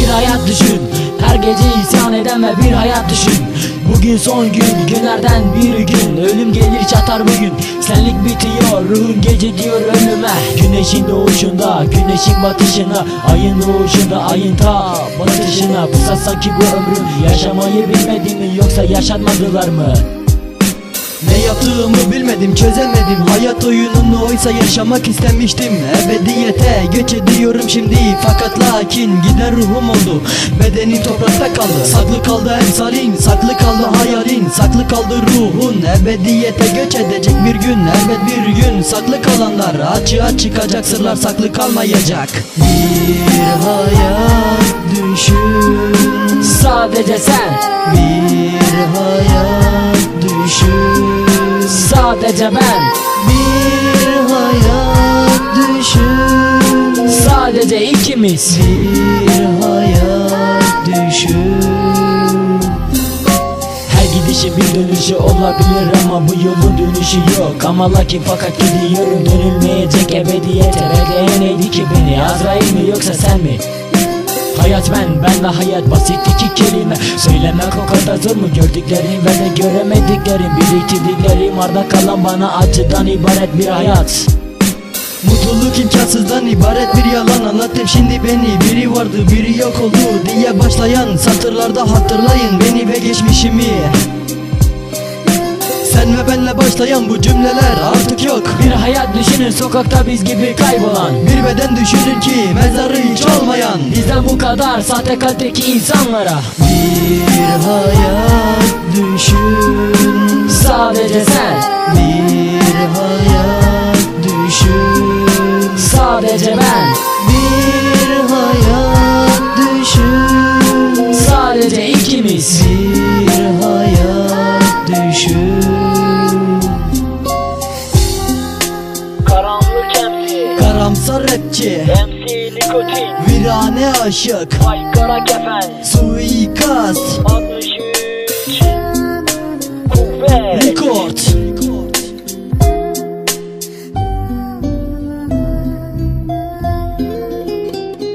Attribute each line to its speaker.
Speaker 1: bir hayat düşün. Her gece isyan eden ve bir hayat düşün. Bugün son gün, günlerden bir gün. Ölüm gelir çatar bugün. Senlik bitiyor, ruhun gece diyor ölüme. Güneşin doğuşunda, güneşin batışına, ayın doğuşunda, ayın ta batışına. Bu sanki bu ömrüm, yaşamayı bilmedin mi yoksa yaşatmadılar mı?
Speaker 2: Ne yaptığımı bilmedim, çözemedim. Hayat oyununu oysa yaşamak istemiştim. Ebediyete göç ediyorum şimdi. Fakat lakin giden ruhum oldu. Bedenim toprakta kaldı. Saklı kaldı emsalin, saklı kaldı hayalin, saklı kaldı ruhun. Ebediyete göç edecek bir gün, elbet bir gün. Saklı kalanlar açığa çıkacak, sırlar saklı kalmayacak. Bir hayat düşün,
Speaker 1: Sadece sen.
Speaker 2: bir hayat düşün,
Speaker 1: Sadece ben.
Speaker 2: bir hayat düşün,
Speaker 1: Sadece ikimiz.
Speaker 2: bir hayat düşün.
Speaker 1: Her gidişin bir dönüşü olabilir ama bu yolun dönüşü yok. Ama lakin fakat gidiyorum, dönülmeyecek ebediyete. Bekleyen neydi ki beni, Azrail mi yoksa sen mi? Hayat ben de hayat, basit iki kelime. Söylemek o kadar zor mu? Gördüklerim ve de göremediklerim, biriktirdiklerim, arda kalan bana acıdan ibaret bir hayat.
Speaker 2: Mutluluk imkansızdan ibaret bir yalan. Anlattım şimdi beni, biri vardı biri yok oldu diye başlayan satırlarda hatırlayın beni ve geçmişimi. Sen ve benle başlayan bu cümleler artık yok.
Speaker 1: Bir hayat düşünün, sokakta biz gibi kaybolan.
Speaker 2: Bir beden düşünün ki mezarı hiç olmayan.
Speaker 1: Bizden bu kadar sahte kalpteki insanlara.
Speaker 2: Bir hayat düşün,
Speaker 1: Sadece sen.
Speaker 2: bir hayat düşün,
Speaker 1: Sadece ben.
Speaker 2: bir hayat düşün,
Speaker 1: Sadece ikimiz.
Speaker 2: bir hayat düşün.
Speaker 1: Karanlık MC,
Speaker 2: Karamsar rapçi,
Speaker 1: MC Nikotin,
Speaker 2: virane aşık,
Speaker 1: Vay kara kefen,
Speaker 2: suikast,
Speaker 1: 63